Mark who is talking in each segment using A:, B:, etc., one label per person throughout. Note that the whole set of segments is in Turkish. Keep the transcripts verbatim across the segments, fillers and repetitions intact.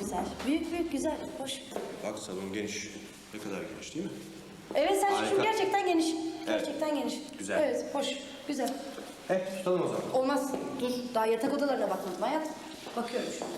A: güzel. Büyük büyük güzel, hoş.
B: Bak salon geniş. Ne kadar geniş değil mi?
A: Evet Selçuk'cum
B: Harika.
A: gerçekten geniş.
B: Evet.
A: Gerçekten geniş.
B: Güzel.
A: Evet, hoş, güzel.
B: He tutalım o zaman.
A: Olmaz, dur. Daha yatak odalarına bakmadım hayat. Bakıyorum şu an.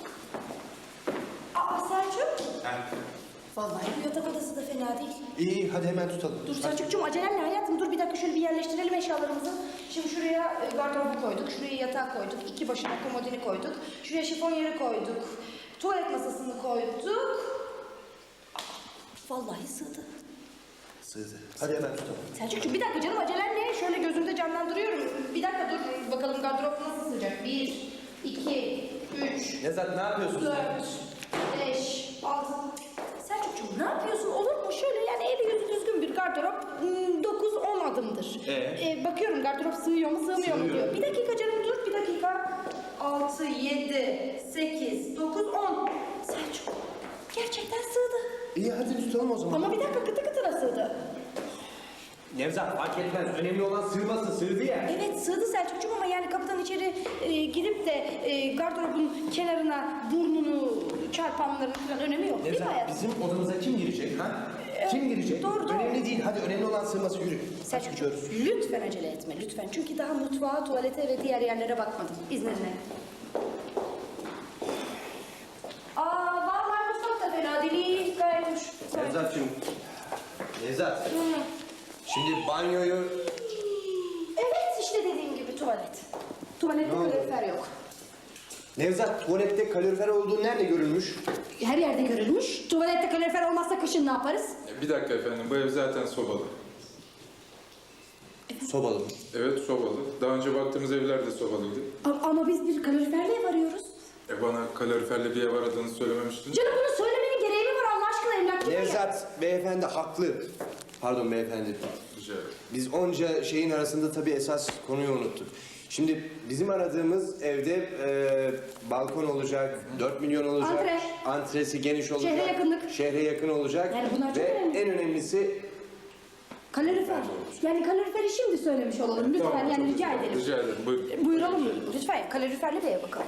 A: Aa Selçuk.
B: He.
A: Vallahi bu yatak odası da fena değil.
B: İyi hadi hemen tutalım.
A: Dur Selçuk'cum acelen ne hayatım? Dur bir dakika şöyle bir yerleştirelim eşyalarımızı. Şimdi şuraya e, gardırobu koyduk, şuraya yatağı koyduk, iki başına komodini koyduk, şuraya şifonyeri koyduk, tuvalet masasını koyduk. Aa, vallahi sığdı.
B: Sığdı. Hadi hemen tutalım.
A: Selçuk'cum bir dakika canım acelen ne? Şöyle gözümde canlandırıyorum. Bir dakika dur bakalım gardırop nasıl sığacak? Bir, iki, üç,
B: Nevzat ne yapıyorsun sen?
A: dört, beş, altı. Selçuk'cum ne yapıyorsun? Olur mu? Şöyle yani eli yüzü düzgün bir gardırop hmm, dokuz on adımdır.
B: Ee?
A: Ee, bakıyorum gardırop sığıyor mu sığmıyor mu
B: Sığıyor.
A: diyor. Bir dakika canım dur bir dakika. altı, yedi, sekiz, dokuz, on. Selçuk gerçekten sığdı.
B: İyi hadi tutalım o zaman.
A: Ama bir dakika kıtı kıtına sığdı.
B: Nevzat fark etmez. Önemli olan sığması. Sığdı ya.
A: Evet sığdı Selçuk'cum ama yani kapıdan içeri e, girip de e, gardırobun kenarına burnunu çarpanların falan önemi yok değil mi
B: Nevzat
A: hayatım?
B: bizim odamıza kim girecek ha?
A: Ee,
B: Kim girecek?
A: doğru, doğru.
B: Önemli değil. Hadi önemli olan sığması yürü.
A: Selçuk'cum lütfen acele etme lütfen. Çünkü daha mutfağa, tuvalete ve diğer yerlere bakmadım. İzninle. Aa vallahi mutfak da fena değil. Gayet hoş.
B: Nevzat'cığım. Nevzat.
A: Hı.
B: Şimdi banyoyu...
A: Evet işte dediğim gibi tuvalet. Tuvalette
B: Ne oldu?
A: kalorifer yok.
B: Nevzat tuvalette kalorifer olduğu nerede görülmüş?
A: Her yerde görülmüş. Tuvalette kalorifer olmazsa kışın ne yaparız?
C: Bir dakika efendim, bu ev zaten sobalı.
B: Sobalı mı?
C: Evet, sobalı. Daha önce baktığımız evler de sobalıydı.
A: Ama, ama biz bir kaloriferle ev arıyoruz.
C: E bana kaloriferli bir ev aradığını söylememiştiniz.
A: Canım bunu söylemenin gereği mi var Allah aşkına emlak gibi ya?
B: Nevzat beyefendi haklı. Pardon beyefendi.
C: Rica ederim.
B: Biz onca şeyin arasında tabii esas konuyu unuttuk. Şimdi bizim aradığımız evde e, balkon olacak, dört milyon olacak.
A: Antre.
B: Antresi geniş olacak.
A: Şehre yakınlık.
B: Şehre yakın olacak.
A: Yani bunlar çok
B: Ve
A: önemli.
B: en önemlisi
A: Kalorifer. Yani kaloriferi şimdi söylemiş olalım lütfen
C: Tamam,
A: yani
C: çok
A: rica
C: güzel.
A: edelim.
C: Rica ederim, buyurun.
A: Buyuralım lütfen kaloriferli bir eve bakalım.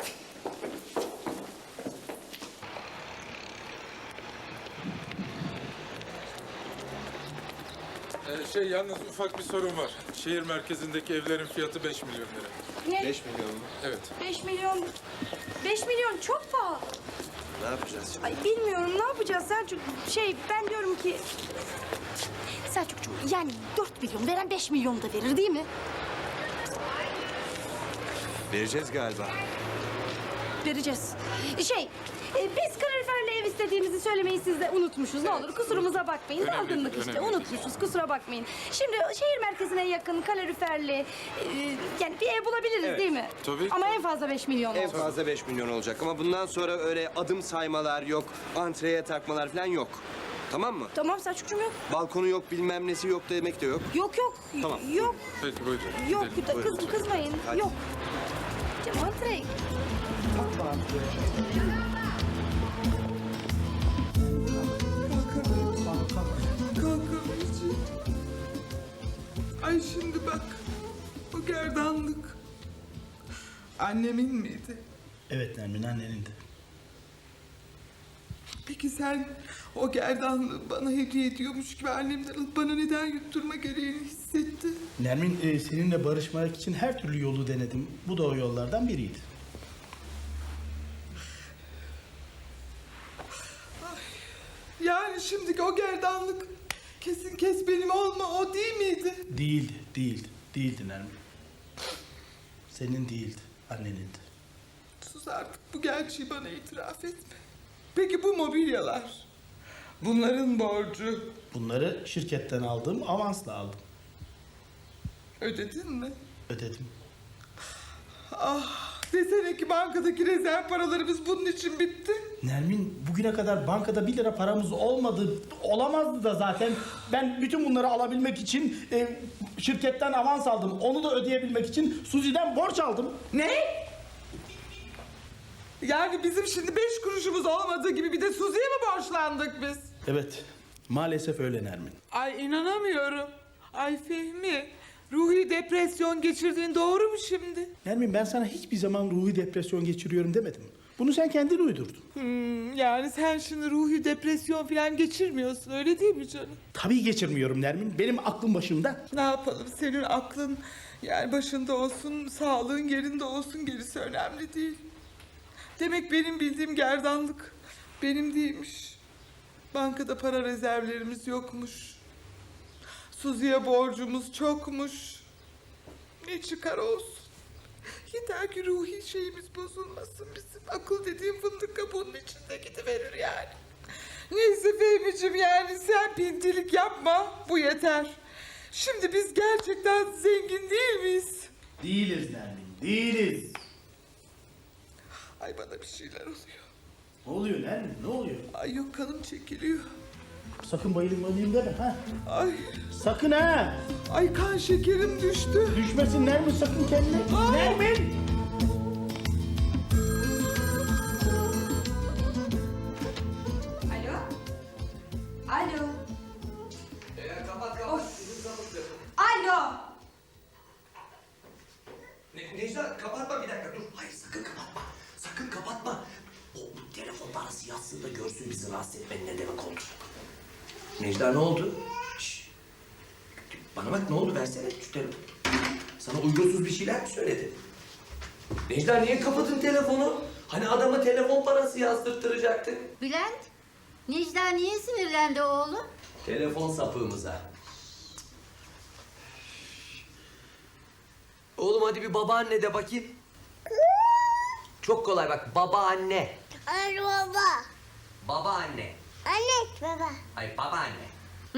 C: Ee, şey yalnız ufak bir sorun var. Şehir merkezindeki evlerin fiyatı beş milyon lira.
A: Ne?
B: beş milyon mu?
C: Evet.
A: beş milyon. beş milyon çok pahalı.
B: Ne yapacağız şimdi?
A: Ay bilmiyorum ne yapacağız Selçuk? Şey ben diyorum ki... Selçukcuğum yani dört milyon veren beş milyon da verir değil mi?
B: Vereceğiz galiba.
A: Vereceğiz. Şey, e, biz kaloriferli ev istediğimizi söylemeyi siz de unutmuşuz. Ne olur kusurumuza bakmayın.
C: Önemli
A: Dalgınlık
C: değil,
A: işte.
C: önemli değil.
A: Unutmuşuz. Kusura bakmayın. Şimdi şehir merkezine yakın kaloriferli e, yani bir ev bulabiliriz
B: Evet.
A: değil mi?
C: Tabii.
A: Ama en fazla beş milyon
B: En
A: olsun.
B: fazla beş milyon olacak ama bundan sonra öyle adım saymalar yok, antreye takmalar falan yok. Tamam mı?
A: Tamam Selçukcuğum yok.
B: Balkonu yok, bilmem nesi yok demek de yok.
A: Yok yok.
B: Tamam.
A: Yok.
C: Peki buyurun.
A: Yok.
C: gidelim.
A: Kız,
B: Buyurun.
A: kızmayın.
B: Hadi.
A: Yok. Canım antre.
D: Kalkamayacağım. Ay şimdi bak, bu gerdanlık annemin miydi?
E: Evet Nermin annenindi.
D: Peki sen o gerdanlığı bana hediye ediyormuş gibi annemden alıp bana neden yutturma gereğini hissettin?
E: Nermin e, seninle barışmak için her türlü yolu denedim. Bu da o yollardan biriydi.
D: Yani şimdiki o gerdanlık kesin kes benim olma o değil miydi?
E: Değildi, değildi, değildi Nermin. Senin değildi, annenindi.
D: Sus artık bu gerçeği bana itiraf etme. Peki bu mobilyalar? Bunların borcu
E: Bunları şirketten aldığım avansla aldım.
D: ödedin mi?
E: Ödedim.
D: Ah, desene ki bankadaki rezerv paralarımız bunun için bitti.
E: Nermin bugüne kadar bankada bir lira paramız olmadı. Olamazdı da zaten. Ben bütün bunları alabilmek için e, şirketten avans aldım. Onu da ödeyebilmek için Suzi'den borç aldım.
D: Ne? Yani bizim şimdi beş kuruşumuz olmadığı gibi bir de Suzi'ye mi borçlandık biz?
E: Evet, maalesef öyle Nermin.
D: Ay inanamıyorum. Ay Fehmi, ruhi depresyon geçirdiğin doğru mu şimdi?
E: Nermin ben sana hiçbir zaman ruhi depresyon geçiriyorum demedim. Bunu sen kendin uydurdun.
D: Hmm, yani sen şimdi ruhi depresyon falan geçirmiyorsun öyle değil mi canım?
E: Tabii geçirmiyorum Nermin. Benim aklım başımda.
D: Ne yapalım senin aklın yani başında olsun, sağlığın yerinde olsun, gerisi önemli değil. Demek benim bildiğim gerdanlık benim değilmiş. Bankada para rezervlerimiz yokmuş. Suzi'ye borcumuz çokmuş. Ne çıkar olsun. Yeter ki ruhi şeyimiz bozulmasın bizim. Akıl dediğim fındık kabuğunun içinde gidiverir yani. Neyse Fehmi'cim yani sen pintilik yapma. Bu yeter. Şimdi biz gerçekten zengin değil miyiz?
E: Değiliz Nermin, değiliz.
D: Ay bana bir şeyler oluyor.
E: Ne oluyor Nermin, ne oluyor?
D: Ay yok kanım çekiliyor.
E: Sakın bayılayım bayılayım deme ha.
D: Ay,
E: Sakın ha.
D: ay kan şekerim düştü.
E: Düşmesin Nermin sakın kendine.
D: Aa!
E: Nermin!
A: Alo? Alo?
F: Eğer kapat kapat. Bizim sapıktır.
A: Alo?
F: Ne, Necla kapatma bir dakika dur. Hayır sakın kapatma. Sakın kapatma. O telefon parası yazsın da görsün bizi rahatsız etmenin ne demek oldu. Necla ne oldu? Şşş. Bana bak ne oldu versene şu telefonu. Sana uygunsuz bir şeyler mi söyledi? Necla niye kapadın telefonu? Hani adama telefon parası yazdırttıracaktık.
G: Bülent, Necla niye sinirlendi oğlum?
F: Telefon sapığımıza. Oğlum hadi bir babaanne de bakayım. Çok kolay bak babaanne.
H: Anne baba.
F: Babaanne.
H: Anne baba.
F: Ay babaanne.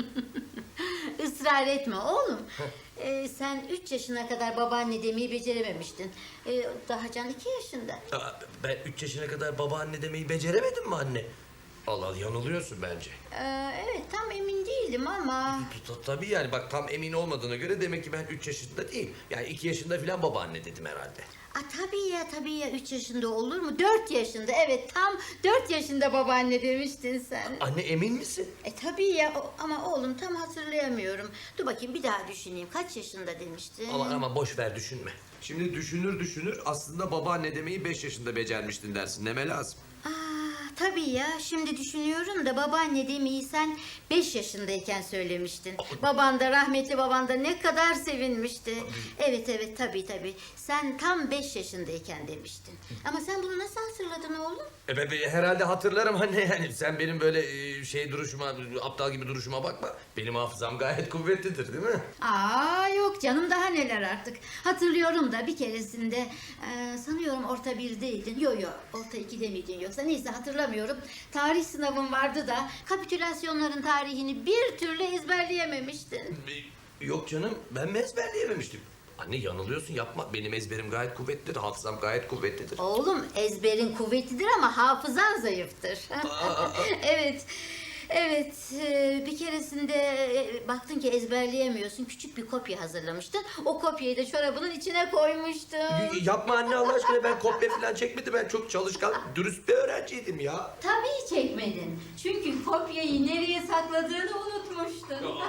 G: Israr etme oğlum. Ee, sen üç yaşına kadar babaanne demeyi becerememiştin. Ee, daha Can iki yaşında.
F: Aa, ben üç yaşına kadar babaanne demeyi beceremedim mi anne? Allah Allah yanılıyorsun bence.
G: Ee, evet tam emin değildim ama...
F: Ta- Tabii yani bak tam emin olmadığına göre demek ki ben üç yaşında değil. Yani iki yaşında falan babaanne dedim herhalde.
G: Aa, tabii ya tabii ya üç yaşında olur mu? Dört yaşında evet tam dört yaşında babaanne demiştin sen.
F: Anne emin misin?
G: E tabii ya o- ama oğlum tam hatırlayamıyorum. Dur bakayım bir daha düşüneyim. Kaç yaşında demiştin?
F: Ama ama boş ver düşünme. Şimdi düşünür düşünür aslında babaanne demeyi beş yaşında becermiştin dersin. Neme lazım?
G: Aa, tabii ya şimdi düşünüyorum da babaanne demeyi sen beş yaşındayken söylemiştin. Baban da rahmetli baban da ne kadar sevinmişti. Evet evet tabii tabii. Sen tam beş yaşındayken demiştin. Ama sen bunu nasıl hatırladın oğlum?
F: E ben, ben herhalde hatırlarım anne yani. Sen benim böyle e, şey duruşuma, aptal gibi duruşuma bakma. Benim hafızam gayet kuvvetlidir değil mi?
G: Aa yok canım daha neler artık. Hatırlıyorum da bir keresinde e, sanıyorum orta birdeydin. Yok yok orta ikide miydin yoksa neyse hatırlamıyorum. Tarih sınavın vardı da kapitülasyonların tarihini bir türlü ezberleyememiştin.
F: E, Yok canım ben mi ezberleyememiştim? Anne yanılıyorsun yapma. Benim ezberim gayet kuvvetlidir. Hafızam gayet kuvvetlidir.
G: Oğlum ezberin kuvvetlidir ama hafızan zayıftır. Evet. Evet, e, bir keresinde e, baktın ki ezberleyemiyorsun. Küçük bir kopya hazırlamıştın. O kopyayı da çorabının içine koymuştun.
F: Y- Yapma anne Allah aşkına ben kopya falan çekmedim. Ben çok çalışkan, dürüst bir öğrenciydim ya.
G: Tabii çekmedin. Çünkü kopyayı nereye sakladığını unutmuştun.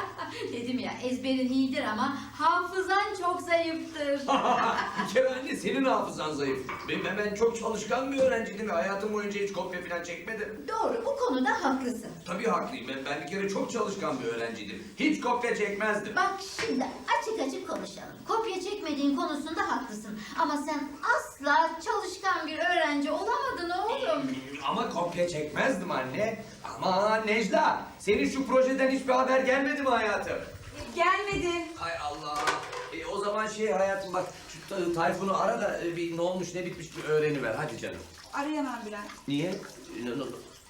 G: Dedim ya ezberin iyidir ama hafızan çok zayıftır.
F: Bir kere anne senin hafızan zayıf. Ben, ben, ben çok çalışkan bir öğrenciydim ve hayatım boyunca hiç kopya falan çekmedim.
G: Doğru, bu konuda haklısın.
F: Tabii haklıyım. Ben, ben bir kere çok çalışkan bir öğrenciydim. Hiç kopya çekmezdim.
G: Bak şimdi açık açık konuşalım. Kopya çekmediğin konusunda haklısın. Ama sen asla çalışkan bir öğrenci olamadın oğlum.
F: Ama kopya çekmezdim anne. Ama Necla, senin şu projeden hiçbir haber gelmedi mi hayatım?
A: Gelmedi.
F: Hay Allah. E, o zaman şey hayatım bak, şu Ta- Tayfun'u ara da e, bir ne olmuş ne bitmiş bir öğreniver. Hadi canım.
A: Arayamam Bülent.
F: Niye? Ne, ne,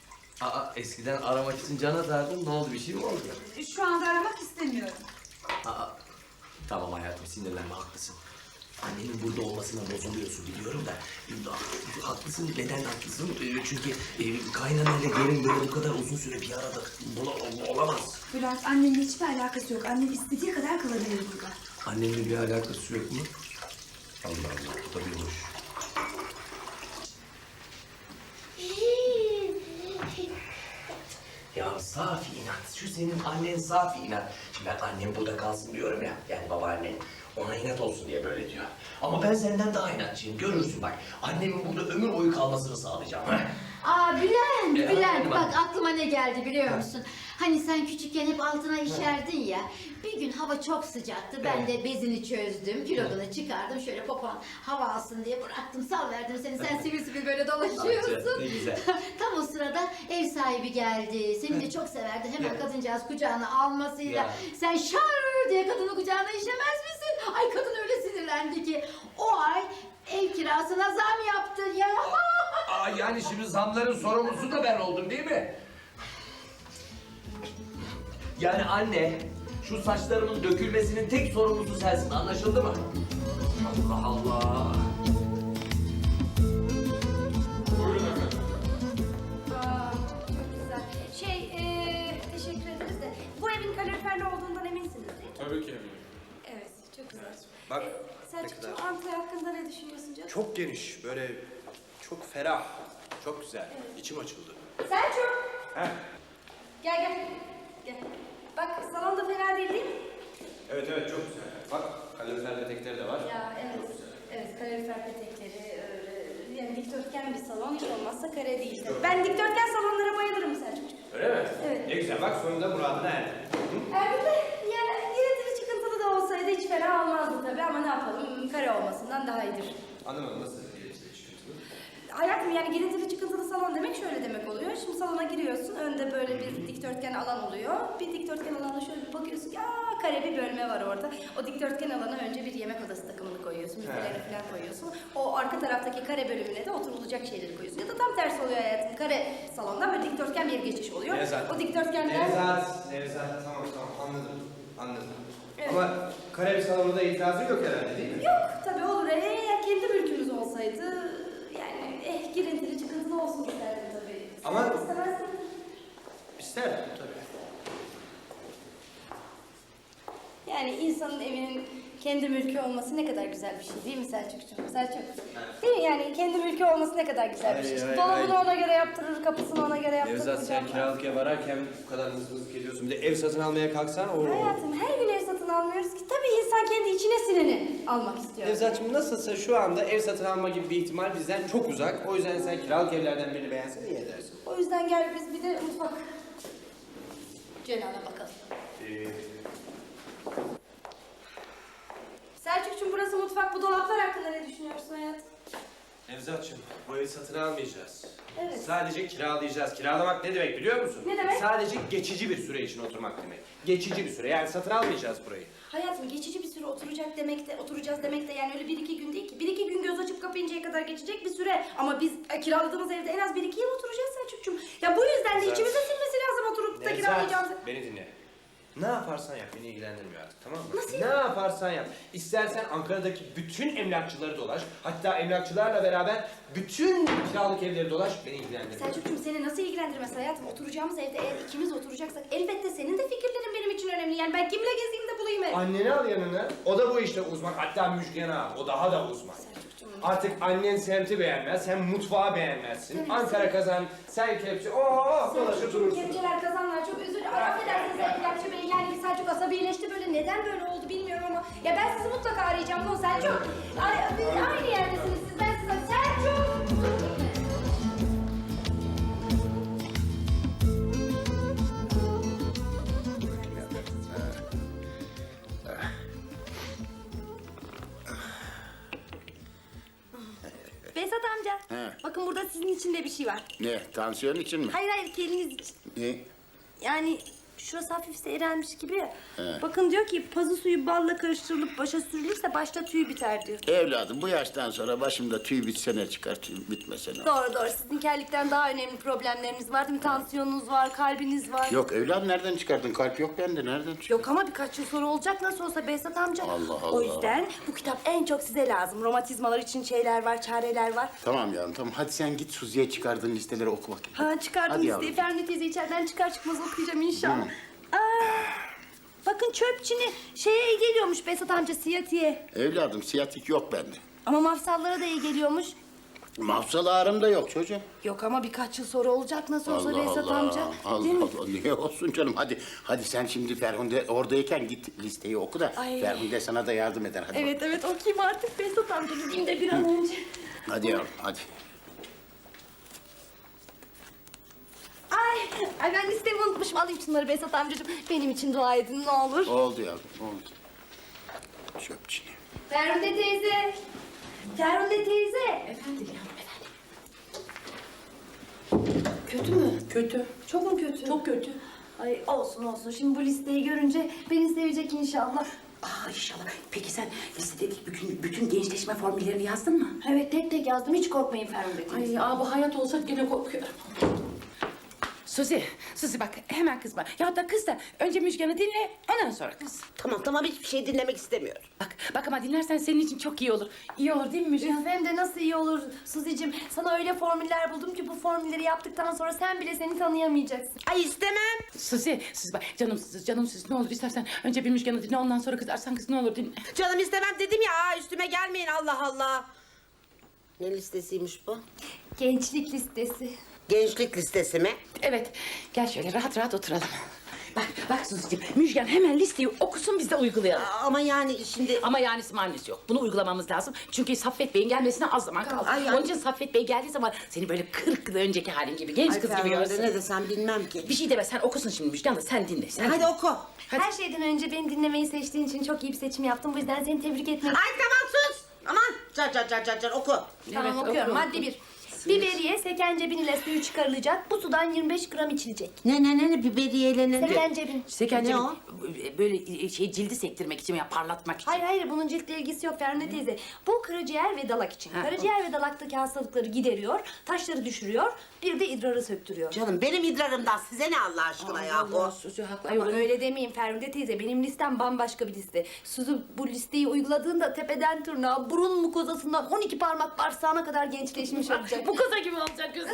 F: Aa, eskiden aramak için can atardım. Ne oldu? Bir şey mi oldu?
A: Şu anda aramak istemiyorum.
F: Aa, tamam hayatım sinirlenme haklısın. Annenin burada olmasına bozuluyorsun biliyorum da. Haklısın, neden haklısın? Ee, Çünkü e, kaynanayla gelin böyle bu kadar uzun süre bir arada bula- olamaz.
A: Bülent annemle hiçbir alakası yok. Annem istediği kadar kalabilir burada.
F: Annemle bir alakası yok mu? Allah Allah, bu da bir hoş. Ya Safi inat. Şu senin annen safi inat. Şimdi ben annem burada kalsın diyorum ya. Yani babaannen. Ona inat olsun diye böyle diyor. Ama ben senden daha inatçıyım. Görürsün bak. Annemin burada ömür boyu kalmasını sağlayacağım. Ha?
G: Aa Bülent,
F: Ya,
G: Bülent
F: hadi
G: bak
F: bak.
G: aklıma ne geldi biliyor musun? Hani sen küçükken hep altına işerdin ya. Bir gün hava çok sıcaktı. Ben de bezini çözdüm, kilodunu çıkardım. Şöyle popon hava alsın diye bıraktım, salverdim seni. Sen sivil sivil böyle dolaşıyorsun.
F: Ne güzel.
G: Tam o sırada ev sahibi geldi. Seni de çok severdi. Hemen
F: Ya.
G: kadıncağız kucağına almasıyla.
F: Ya.
G: Sen şar diye kadını kucağına işemez misin? Ay kadın öyle sinirlendi ki. O ay ev kirasına zam yaptı ya.
F: Aa, yani şimdi zamların sorumlusu da ben oldum değil mi? Yani anne, şu saçlarımın dökülmesinin tek sorumlusu sensin, anlaşıldı mı? Allah Allah.
C: Buyurun efendim.
A: Aa, çok güzel. Şey, eee, teşekkür ederiz de bu evin kaloriferli olduğundan eminsiniz değil mi?
C: Tabii ki eminim.
A: Evet, çok güzel.
B: Bak,
A: Ee,
B: ne
A: Selçukcuğum,
B: kadar-
A: Ankara hakkında ne düşünüyorsun canım?
B: Çok geniş, böyle çok ferah, çok güzel. İçim açıldı.
A: Selçuk!
B: Heh.
A: Gel gel. Gel. Bak salon da fena değil değil mi?
B: Evet evet çok güzel. Bak kalorifer detektörü de var.
A: Ya evet. Evet, kalorifer petekleri, öyle, yani dikdörtgen bir salon hiç olmazsa kare değil. Ben dikdörtgen salonlara bayılırım Selçukcuğum.
B: Öyle mi?
A: Evet.
B: Ne güzel bak sonunda muradına erdi.
A: Erbil de yani giritili çıkıntılı da olsaydı hiç fena olmazdı tabii ama ne yapalım kare olmasından daha iyidir.
B: Anlamadım nasıl iletişim çıkıntılı?
A: Hayatım yani girintili çıkıntılı salon demek şöyle demek oluyor. Şimdi salona giriyorsun, önde böyle bir dikdörtgen alan oluyor. Bir dikdörtgen alana şöyle bir bakıyorsun ki aa kare bir bölme var orada. O dikdörtgen alana önce bir yemek odası takımını koyuyorsun, müzelerini falan koyuyorsun. O arka taraftaki kare bölümüne de oturulacak şeyleri koyuyorsun. Ya da tam tersi oluyor hayatım. Kare salondan böyle dikdörtgen bir geçiş oluyor.
B: Nevzat.
A: O dikdörtgenler...
B: Nevzat, Nevzat tamam tamam anladım. Anladım.
A: Evet.
B: Ama kare bir salonunda itirazı yok herhalde değil mi?
A: Yok tabii olur. Eğer kendi mülkümüz olsaydı yani eh girintili çıkıntılı olsun isterdim tabii. Sen
B: Ama-
A: istemezsin.
B: İsterdim tabii.
A: Yani insanın evinin kendi mülkü olması ne kadar güzel bir şey değil mi Selçukcuğum? Selçuk. Değil mi? Yani kendi mülkü olması ne kadar güzel bir şey.
B: Hayır, hayır,
A: Dolabını
B: hayır.
A: ona göre yaptırır, kapısını ona göre yaptırır.
B: Nevzat sen
A: camlar.
B: kiralık ev ararken bu kadar hızlı hızlı geliyorsun. Bir de ev satın almaya kalksan o...
A: Hayatım her gün ev satın almıyoruz ki. Tabii insan kendi içine sineni almak istiyor.
B: Nevzat'cığım nasılsa şu anda ev satın alma gibi bir ihtimal bizden çok uzak. O yüzden sen kiralık evlerden birini beğensen iyi edersin.
A: O yüzden gel biz bir de mutfak cenahına bakalım.
B: Ee,
A: Selçukcuğum burası mutfak. Bu dolaplar hakkında ne düşünüyorsun hayatım?
B: Nevzat'cığım bu evi satın almayacağız.
A: Evet.
B: Sadece kiralayacağız. Kiralamak ne demek biliyor musun?
A: Ne demek?
B: Sadece geçici bir süre için oturmak demek. Geçici bir süre. Yani satın almayacağız burayı.
A: Hayatım geçici bir süre oturacak demek de oturacağız demek de yani öyle bir iki gün değil ki. Bir iki gün göz açıp kapayıncaya kadar geçecek bir süre. Ama biz e, kiraladığımız evde en az bir iki yıl oturacağız Selçukcuğum. Ya bu yüzden de
B: Nevzat.
A: içimize sinmesi lazım oturup da kiralayacağımız.
B: Nevzat beni dinle. Ne yaparsan yap beni ilgilendirmiyor artık tamam mı?
A: Nasıl
B: Ne yaparsan yap. İstersen Ankara'daki bütün emlakçıları dolaş. Hatta emlakçılarla beraber bütün kiralık evleri dolaş beni ilgilendirmiyor.
A: Selçukcuğum seni nasıl ilgilendirmez hayatım? Oturacağımız evde eğer ikimiz oturacaksak elbette senin de fikirlerin benim için önemli. Yani ben kimle gezeyim de bulayım ev.
B: Anneni al yanına. O da bu işte uzman. Hatta Müjgan ağa. O daha da uzman.
A: Selçukcuğum.
B: Artık annen semti beğenmez, sen mutfağı beğenmezsin.
A: Evet.
B: Ankara kazan, sen kepçe, ooo dolaşıp
A: Selçukcuğum
B: durursun.
A: kepçeler kazanlar çok özür dilerim. Affedersiniz emlakçı bey yani Selçuk asabileşti böyle. Neden böyle oldu bilmiyorum ama. Ya ben sizi mutlaka arayacağım. Ne o Selçuk? Ay, biz aynı yerdesiniz siz. Ben size Selçuk. Behzat amca.
I: He.
A: Bakın burada sizin için de bir şey var.
I: Ne? Tansiyon için mi?
A: Hayır hayır kendiniz için.
I: Ne?
A: Yani şurası hafif seyrelmiş gibi ya.
I: He.
A: Bakın diyor ki pazı suyu balla karıştırılıp başa sürülürse başta tüy biter diyor.
I: Evladım bu yaştan sonra başımda tüy bitse ne çıkar, tüy bitmese ne?
A: Doğru doğru. Sizin kellikten daha önemli problemleriniz var değil mi? Tansiyonunuz var, kalbiniz var.
I: Yok evladım nereden çıkardın? Kalp yok bende. Nereden çıkardın?
A: Yok ama birkaç yıl sonra olacak nasıl olsa Behzat amca.
I: Allah
A: O
I: Allah.
A: yüzden bu kitap en çok size lazım. Romatizmalar için şeyler var, çareler var.
I: Tamam yavrum tamam. Hadi sen git Suzi'ye çıkardığın listeleri oku bakayım.
A: Ha çıkardım
I: Hadi
A: listeyi.
I: yavrum.
A: Ferdi teyze içeriden çıkar çıkmaz okuyacağım inşallah. Aa, bakın çöpçini şeye iyi geliyormuş Behzat amca siyatiye.
I: Evladım siyatik yok bende.
A: Ama mafsallara da iyi geliyormuş.
I: Mafsal ağrım da yok çocuğum.
A: Yok ama birkaç yıl sonra olacak nasıl olsa
I: Allah
A: Behzat
I: Allah.
A: amca.
I: Allah
A: Değil mi?
I: Allah. Niye olsun canım? Hadi hadi sen şimdi Ferhunde oradayken git listeyi oku da
A: Ay.
I: Ferhunde sana da yardım eder. Hadi
A: Evet evet okuyayım artık Behzat amca gideyim de bir an önce.
I: bak. Hadi yavrum hadi.
A: Ay, ay ben listemi unutmuşum. Alayım şunları Behzat amcacığım. Benim için dua edin ne olur.
I: Oldu yavrum oldu. Çöpçüne.
A: Ferhunde teyze. Ferhunde teyze. Efendim yavrum efendim. Kötü mü?
J: Kötü.
A: Çok mu kötü?
J: Çok kötü.
A: Ay olsun olsun. Şimdi bu listeyi görünce beni sevecek inşallah.
J: Aa inşallah. Peki sen listedeki bütün, bütün gençleşme formüllerini yazdın mı?
A: Evet tek tek yazdım. Hiç korkmayın Ferhunde teyze.
J: Ay aa, bu hayat olsa gene korkuyorum. Suzi, Suzi bak hemen kızma. Ya da kız da önce Müjgan'ı dinle, ondan sonra kız.
K: Tamam tamam hiçbir şey dinlemek istemiyorum.
J: Bak, bak ama dinlersen senin için çok iyi olur. İyi olur değil mi Müjgan?
A: Hem de nasıl iyi olur Suzi'cim. Sana öyle formüller buldum ki bu formülleri yaptıktan sonra sen bile seni tanıyamayacaksın.
K: Ay istemem.
J: Suzi, Suzi bak canım Suzi, canım Suzi ne olur istersen önce bir Müjgan'ı dinle ondan sonra kızarsan kız ne olur dinle.
K: Canım istemem dedim ya. Aa, üstüme gelmeyin Allah Allah. Ne listesiymiş bu?
A: Gençlik listesi.
K: Gençlik listesi mi?
J: Evet, gel şöyle rahat rahat oturalım. Bak, bak Suzi'cim, Müjgan hemen listeyi okusun biz de uygulayalım.
K: Aa, ama yani şimdi...
J: Ama yanisi manisi yok. Bunu uygulamamız lazım. Çünkü Saffet Bey'in gelmesine az zaman kaldı.
K: Ay, ay.
J: Onun için Saffet Bey geldiği zaman seni böyle kırk yıl önceki halin gibi, genç
K: Ay
J: kız gibi
K: Ferhunde,
J: görsün.
K: ne desem bilmem ki.
J: Bir şey deme, sen okusun şimdi Müjgan da sen dinle. Sen
K: Hadi oku.
J: Hadi.
A: Her şeyden önce beni dinlemeyi seçtiğin için çok iyi bir seçim yaptım. Bu yüzden seni tebrik etmek
K: Ay tamam sus. Aman car car car car car oku.
A: Tamam
J: Evet,
A: okuyorum.
J: oku,
A: Madde bir. Biberiye sekencebin ile suyu çıkarılacak. Bu sudan yirmi beş gram içilecek.
K: Ne ne ne ne biberiyeyle ne?
A: Sekencebin.
J: Sekence
K: Ne o?
J: böyle şey cildi sektirmek için ya parlatmak için.
A: Hayır hayır bunun ciltle ilgisi yok Ferhunde teyze. Bu karaciğer ve dalak için.
J: Ha,
A: Karaciğer ve dalaktaki hastalıkları gideriyor, taşları düşürüyor, bir de idrarı söktürüyor.
K: Canım benim idrarımdan size ne Allah aşkına ya
J: Allah
K: bu?
J: Suzi haklı.
A: Ama
J: Ay,
A: öyle demeyin Ferhunde teyze. Benim listem bambaşka bir liste. Suzu bu listeyi uyguladığında tepeden tırnağa, burun mukozasından on iki parmak bağırsağına kadar gençleşmiş olacak.
J: Bu kıza gibi olacak kız.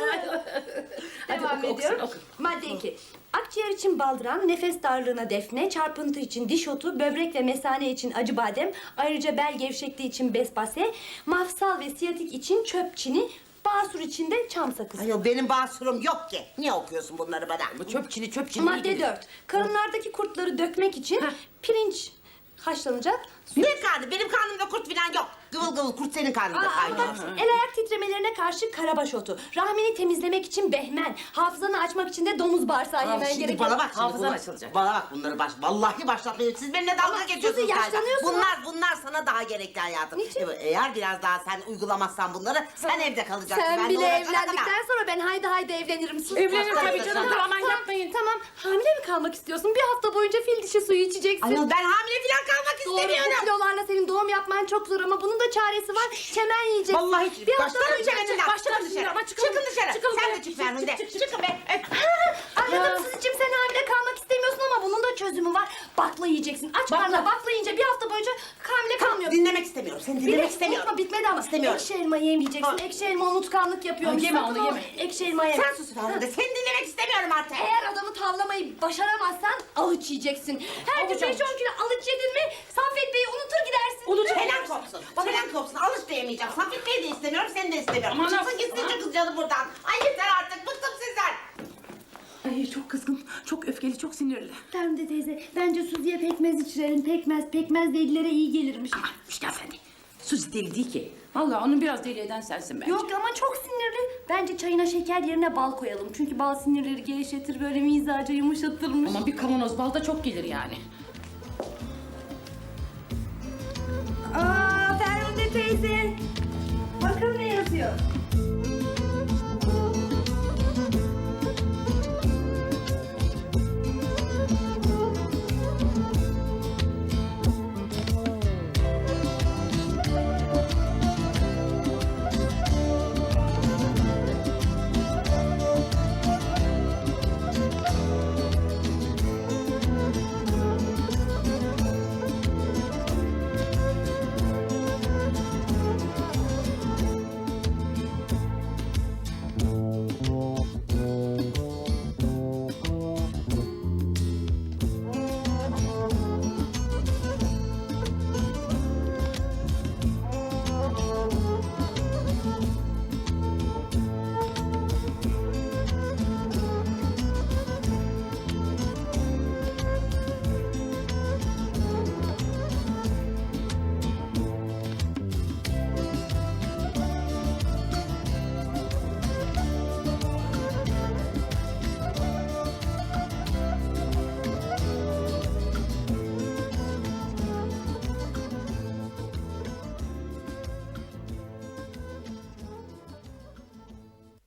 J: Hadi
A: Devam
J: oku,
A: ediyorum.
J: okusun, oku.
A: Madde iki. Akciğer için baldıran, nefes darlığına defne, çarpıntı için diş otu, böbrek ve mesane için acı badem, ayrıca bel gevşekliği için bespase, mafsal ve siyatik için çöp çini, basur için de çam sakızı.
K: Ay yok benim basurum yok ki. Niye okuyorsun bunları bana?
J: Bu çöpçili çöpçili.
A: Madde dört. Karınlardaki kurtları dökmek için pirinç haşlanacak.
K: Ne karnı? Benim karnımda kurt falan yok. Gıvıl gıvıl kurt senin karnında
A: Aa,
K: kaynıyor.
A: bak, el ayak titremelerine karşı karabaş otu, rahmini temizlemek için behmen, hafızanı açmak için de domuz bağırsağı
K: Aa,
A: yemen
K: şimdi
A: gerekiyor.
K: bana bak şimdi
J: Hafızan
K: bunlar-
J: açılacak.
K: Bana bak bunları baş... Vallahi başlatmayın. Siz benimle dalga geçiyorsunuz galiba.
A: yaşlanıyorsun
K: Bunlar, bunlar sana daha gerekli hayatım.
A: Niçin?
K: Evet, eğer biraz daha sen uygulamazsan bunları sen evde kalacaksın.
A: Sen
K: Ben
A: bile
K: doğuracana
A: evlendikten
K: kadar.
A: sonra ben haydi haydi evlenirim. Sus.
J: Evlenirim
A: Tamam,
J: tabii canım,
A: tamam,
J: aman
A: tamam,
J: yapmayın.
A: Tamam. Hamile mi kalmak istiyorsun? Bir hafta boyunca fil dişi suyu içeceksin.
K: Ayol ben hamile falan kalmak
A: Doğru, bu
K: istemiyorum.
A: kilolarla senin doğum yapman çok zor ama bunun da çaresi var. Çemen yiyeceksin.
K: Vallahi hiç.
A: Bir hafta
K: Başlarım
A: boyunca
K: çeneninden.
J: başlarım
K: Çıkın
J: şimdi
K: dışarı.
J: ama çıkalım.
K: Çıkın dışarı.
J: Çıkalım
K: Sen
J: be.
K: de çık Ferhunde.
J: Çık, çık, çık.
K: Çıkın be. Öf.
A: Anladım Suzi'cim sen hamile kalmak istemiyorsun ama bunun da çözümü var. Bakla yiyeceksin. Aç karnına bakla yiyince bir hafta boyunca hamile kalmıyorsun.
K: Dinlemek istemiyorum. Seni
A: Bir de
K: dinlemek istemiyorum.
A: unutma bitmedi ama
K: İstemiyorum.
A: ekşi elma yemeyeceksin.
K: Ha.
A: Ekşi elma unutkanlık yapıyormuş.
J: Ha, yeme
A: Sakın
J: onu,
A: o
J: yeme.
A: Ekşi elma yeme.
K: Sen sus Ferhunde. Seni dinlemek istemiyorum artık.
A: Eğer adamı tavlamayı başaramazsan alıç yiyeceksin. Her gün
J: Avuç,
A: beş on kilo alıç yedin mi Saffet Bey'i unutur gidersin.
K: Unut. Helal kopsun. Helal kopsun. Alış da yemeyeceğim. Safit Bey'i de istemiyorum. Seni de istemiyorum.
J: Aman
K: Çıksın
J: Allah'ım.
K: gitsin çıkın canım buradan. Ay yeter artık. Bıktım sizden.
J: Ay çok kızgın, çok öfkeli, çok sinirli.
A: Ferhunde teyze bence Suzi'ye pekmez içirelim. Pekmez, pekmez delilere iyi gelirmiş.
J: Müjgan efendi. Suzi deli değil ki. Vallahi onu biraz deli eden sensin bence.
A: Yok ama çok sinirli. Bence çayına şeker yerine bal koyalım. Çünkü bal sinirleri gevşetir, böyle mizacı yumuşatırmış.
J: Ama bir kavanoz bal da çok gelir yani.
A: Aa Ferhunde teyze.